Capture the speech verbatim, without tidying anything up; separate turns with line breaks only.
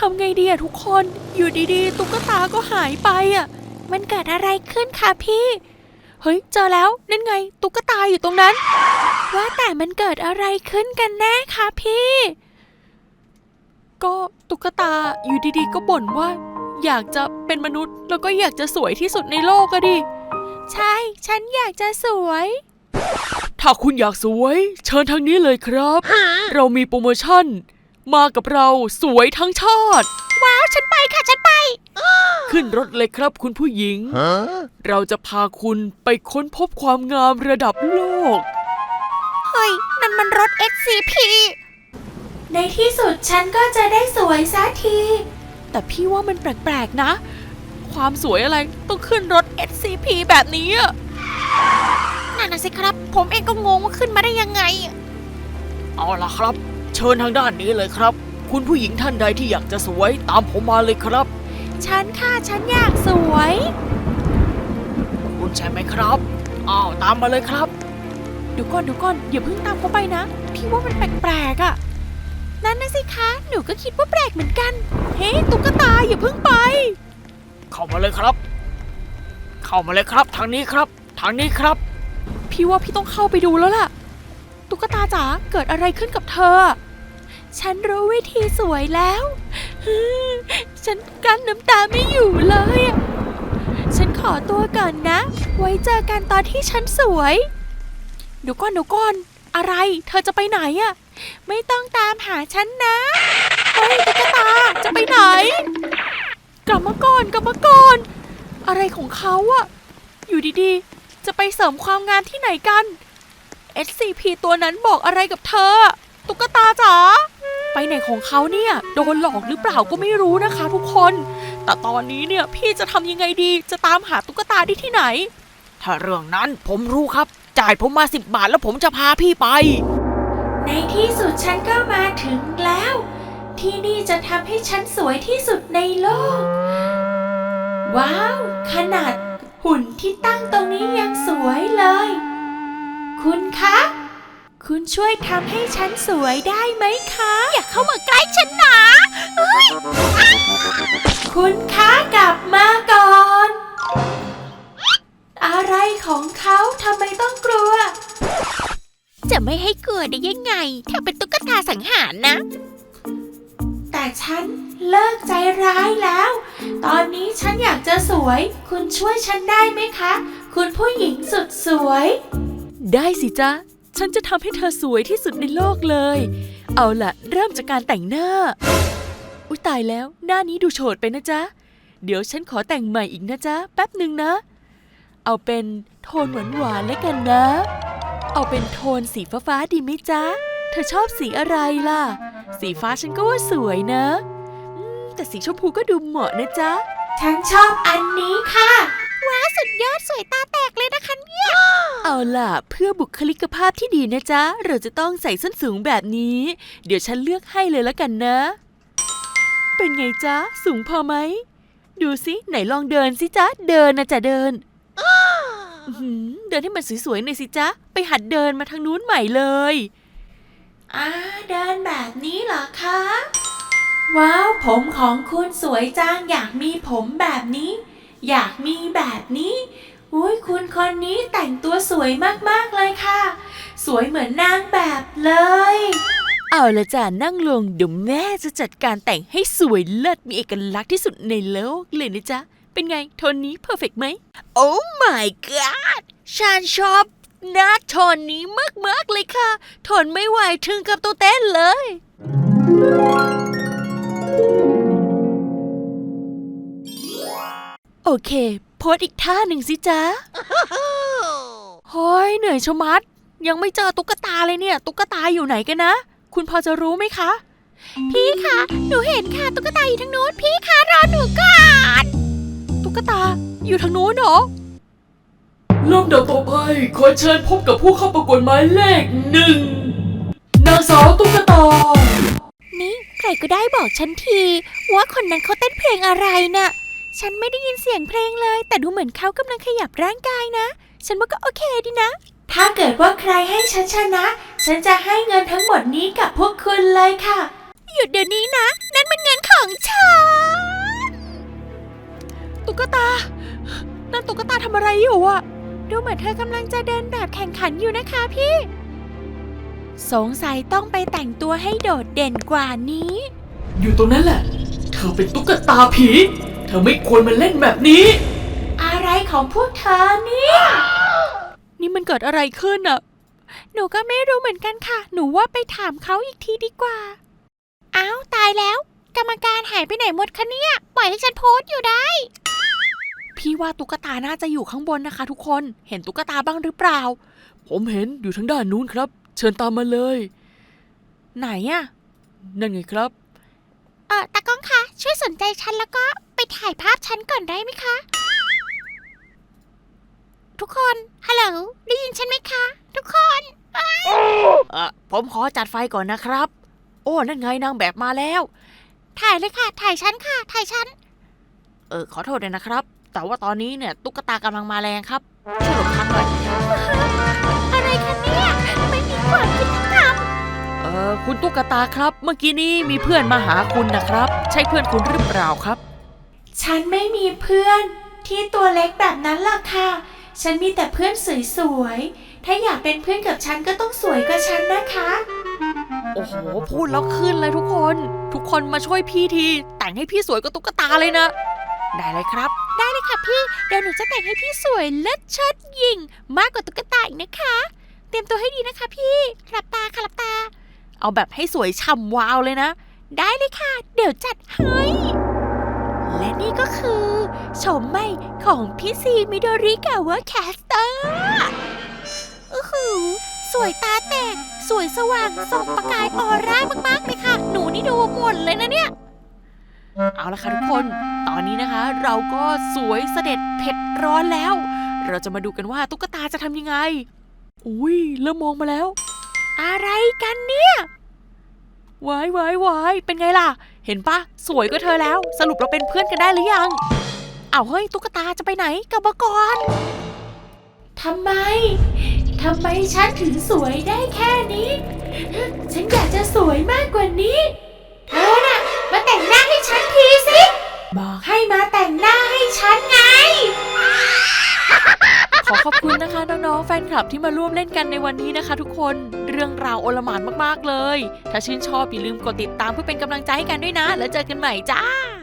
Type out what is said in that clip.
ำไงดีอะทุกคนอยู่ดีๆตุ๊กตาก็หายไปอะมันเกิดอะไรขึ้นคะพี่เฮ้ยเจอแล้วนั่นไงตุ๊กตาอยู่ตรงนั้นว่าแต่มันเกิดอะไรขึ้นกันแน่คะพี่ก็ตุ๊กตาอยู่ดีๆก็บ่นว่าอยากจะเป็นมนุษย์แล้วก็อยากจะสวยที่สุดในโลกอะดิใช่ฉันอยากจะสวยถ้าคุณอยากสวยเชิญทางนี้เลยครับเรามีโปรโมชั่นมากับเราสวยทั้งชาติว้าวฉันไปค่ะฉันไปขึ้นรถเลยครับคุณผู้หญิง เราจะพาคุณไปค้นพบความงามระดับโลกเฮ้ยนั่นมันรถ เอส ซี พี ในที่สุดฉันก็จะได้สวยสักทีแต่พี่ว่ามันแปลกๆนะความสวยอะไรต้องขึ้นรถ เอส ซี พี แบบนี้อะนั่นน่ะสิครับผมเองก็งงว่าขึ้นมาได้ยังไงเอาล่ะครับเชิญทางด้านนี้เลยครับคุณผู้หญิงท่านใดที่อยากจะสวยตามผมมาเลยครับฉันค่ะฉันอยากสวยคุณใช่ไหมครับอ้าวตามมาเลยครับเดี๋ยวก่อนเดี๋ยวก่อนอย่าเพิ่งตามเขาไปนะพี่ว่ามันแปลกๆอ่ะนั่นนะสิคะหนูก็คิดว่าแปลกเหมือนกันเฮ้ตุ๊กตาอย่าเพิ่งไปเข้ามาเลยครับเข้ามาเลยครับทางนี้ครับทางนี้ครับพี่ว่าพี่ต้องเข้าไปดูแล้วล่ะตุ๊กตาจ๋าเกิดอะไรขึ้นกับเธอฉันรู้วิธีสวยแล้วฉันกั้นน้ำตาไม่อยู่เลยฉันขอตัวก่อนนะไว้เจอกันตอนที่ฉันสวยเดี๋ยวก่อนเดี๋ยวก่อนอะไรเธอจะไปไหนอะไม่ต้องตามหาฉันนะเฮ้ยตุ๊กตาจะไปไหนกลับมาก่อนกลับมาก่อนอะไรของเขาอะอยู่ดีๆจะไปเสริมความงามที่ไหนกัน เอส ซี พี ตัวนั้นบอกอะไรกับเธอตุ๊กตาจ๋าไปไหนของเขาเนี่ยโดนหลอกหรือเปล่าก็ไม่รู้นะคะทุกคนแต่ตอนนี้เนี่ยพี่จะทำยังไงดีจะตามหาตุ๊กตาได้ที่ไหนถ้าเรื่องนั้นผมรู้ครับจ่ายผมมาสิบบาทแล้วผมจะพาพี่ไปในที่สุดฉันก็มาถึงแล้วที่นี่จะทำให้ฉันสวยที่สุดในโลกว้าวขนาดหุ่นที่ตั้งตรงนี้ยังสวยเลยคุณคะคุณช่วยทำให้ฉันสวยได้ไหมคะอย่าเข้ามาใกล้ฉันนะคุณคะกลับมาก่อนอะไรของเขาทำไมต้องกลัวจะไม่ให้กลัวได้ยังไงถ้าเป็นตุ๊กตาสังหารนะแต่ฉันเลิกใจร้ายแล้วตอนนี้ฉันอยากจะสวยคุณช่วยฉันได้ไหมคะคุณผู้หญิงสุดสวยได้สิจ๊ะฉันจะทำให้เธอสวยที่สุดในโลกเลยเอาล่ะเริ่มจากการแต่งหน้าอุ๊ยตายแล้วหน้านี้ดูโฉดไปนะจ๊ะเดี๋ยวฉันขอแต่งใหม่อีกนะจ๊ะแป๊บหนึ่งนะเอาเป็นโทนหวานๆแล้วกันนะเอาเป็นโทนสีฟ้าๆดีไหมจ๊ะเธอชอบสีอะไรล่ะสีฟ้าฉันก็ว่าสวยนะแต่สีชมพูก็ดูเหมาะนะจ๊ะฉันชอบอันนี้ค่ะว้าวสุดยอดสวยตาแตกเลยนะคะเนี่ยเอาล่ะเพื่อบุคลิกภาพที่ดีนะจ๊ะเราจะต้องใส่ส้นสูงแบบนี้เดี๋ยวฉันเลือกให้เลยละกันนะเป็นไงจ๊ะสูงพอไหมดูสิไหนลองเดินสิจ๊ะเดินนะจ๊ะเดินเดินให้มันสวยๆหน่อยสิจ๊ะไปหัดเดินมาทางนู้นใหม่เลยอ่าเดินแบบนี้เหรอคะว้าวผมของคุณสวยจังอยากมีผมแบบนี้อยากมีแบบนี้อุ้ยคุณคนนี้แต่งตัวสวยมากๆเลยค่ะสวยเหมือนนางแบบเลยเอาละจ้ะนั่งลงเดี๋ยวแม่จะจัดการแต่งให้สวยเลิศมีเอกลักษณ์ที่สุดในโลกเลยนะจ๊ะเป็นไงโทนนี้เพอร์เฟกต์ไหมโอ้ my god ฉันชอบหน้าโทนนี้มากๆเลยค่ะทนไม่ไหวถึงกับตัวเต้นเลยโอเคโพสอีกท่าหนึ่งสิจ๊ะเฮ้ยเหนื่อยชะมัดยังไม่เจอตุ๊กตาเลยเนี่ยตุ๊กตาอยู่ไหนกันนะคุณพอจะรู้ไหมคะพี่คะหนูเห็นค่ะตุ๊กตาอยู่ทางนู้นพี่คะรอหนูก่อนตุ๊กตาอยู่ทางนู้นเหรอลำดับต่อไปขอเชิญพบกับผู้เข้าประกวดหมายเลขหนึ่งนางสาวตุ๊กตานี่ใครก็ได้บอกฉันทีว่าคนนั้นเขาเต้นเพลงอะไรน่ะฉันไม่ได้ยินเสียงเพลงเลยแต่ดูเหมือนเขากำลังขยับร่างกายนะฉันว่าก็โอเคดีนะถ้าเกิดว่าใครให้ฉันชนะฉันจะให้เงินทั้งหมดนี้กับพวกคุณเลยค่ะ
หยุดเดี๋ยวนี้นะ นั่นมันเงินของฉัน
ตุ๊กตา นั่นตุ๊กตาทำอะไรอยู่อะ
ดูเหมือนเธอกำลังจะเดินแบบแข่งขันอยู่นะคะพี่ สงสัยต้องไปแต่งตัวให้โดดเด่นกว่านี้
อยู่ตรงนั้นแหละ เธอเป็นตุ๊กตาผี เธอไม่ควรมาเล่นแบบนี้
อะไรของพวกเธอเนี่ย
นี่มันเกิดอะไรขึ้นอะ
หนูก็ไม่รู้เหมือนกันค่ะ หนูว่าไปถามเขาอีกทีดีกว่า อ้าวตายแล้ว กรรมการหายไปไหนหมดคะเนี่ย ปล่อยให้ฉันโพสต์อยู่ได้
พี่ว่าตุ๊กตาน่าจะอยู่ข้างบนนะคะทุกคน เห็นตุ๊กตาบ้างหรือเปล่า ผมเห็นอยู่ทางด้านนู้นครับ เชิญตามมาเลย ไหนอะนั่นไงครับ
เออตากล้องคะช่วยสนใจฉันแล้วก็ไปถ่ายภาพฉันก่อนได้ไหมคะ ทุกคนฮัลโหลได้ยินฉันไหมคะ ทุกคน
เออผมขอจัดไฟก่อนนะครับ โอ้นั่นไงนางแบบมาแล้ว
ถ่ายเลยค่ะ ถ่ายฉันค่ะ ถ่ายฉัน
เออขอโทษด้วยนะครับ แต่ว่าตอนนี้เนี่ยตุ๊กตากำลังมาแรงครับช่วยหลบทางหน่อย
อะไรคะเนี่ยไม่มีความยุติธรรม
เออคุณตุ๊กตาครับ เมื่อกี้นี้มีเพื่อนมาหาคุณนะครับ ใช่เพื่อนคุณหรือเปล่าครับ
ฉันไม่มีเพื่อนที่ตัวเล็กแบบนั้นล่ะค่ะ ฉันมีแต่เพื่อนสวยๆ ถ้าอยากเป็นเพื่อนกับฉันก็ต้องสวยกว่าฉันนะคะ
โอ้โหพูดแล้วขึ้นเลยทุกคน ทุกคนมาช่วยพี่ที แต่งให้พี่สวยกว่าตุ๊กตาเลยนะ ได้เลยครับ
ได้เลยค่ะพี่ เดี๋ยวหนูจะแต่งให้พี่สวยเลิศเชิดยิ่งมากกว่าตุ๊กตาอีกนะคะ เตรียมตัวให้ดีนะคะพี่หลับตาค่ะหลับตา
เอาแบบให้สวยฉ่ำวาวเลยนะ
ได้เลยค่ะ เดี๋ยวจัดให้ และนี่ก็คือโฉมใหม่ของพี่ซีมิโดริกาวะแคสเตอร์อือหือสวยตาแตก สวยสว่างส่องประกายออร่ามากๆเลยค่ะ หนูนี่ดูหมดเลยนะเนี่ย
เอาละค่ะทุกคน ตอนนี้นะคะ เราก็สวยเสด็จเผ็ดร้อนแล้ว เราจะมาดูกันว่าตุ๊กตาจะทำยังไง อุ้ยเริ่มมองมาแล้ว
อะไรกันเนี่ย
วายวายวายเป็นไงล่ะ เห็นปะสวยก็เธอแล้ว สรุปเราเป็นเพื่อนกันได้หรือยังอ้าวเฮ้ยตุ๊กตาจะไปไหนกลับมาก่อน
ทำไม ทำไมฉันถึงสวยได้แค่นี้ ฉันอยากจะสวยมากกว่านี้ เธอน่ะมาแต่งหน้าให้ฉันทีสิ บอกให้มาแต่งหน้าให้ฉันไง
ขอขอบคุณนะคะน้องๆแฟนคลับที่มาร่วมเล่นกันในวันนี้นะคะทุกคน เรื่องราวโอลหม่านมากๆเลย ถ้าชื่นชอบอย่าลืมกดติดตามเพื่อเป็นกำลังใจให้กันด้วยนะ แล้วเจอกันใหม่จ้า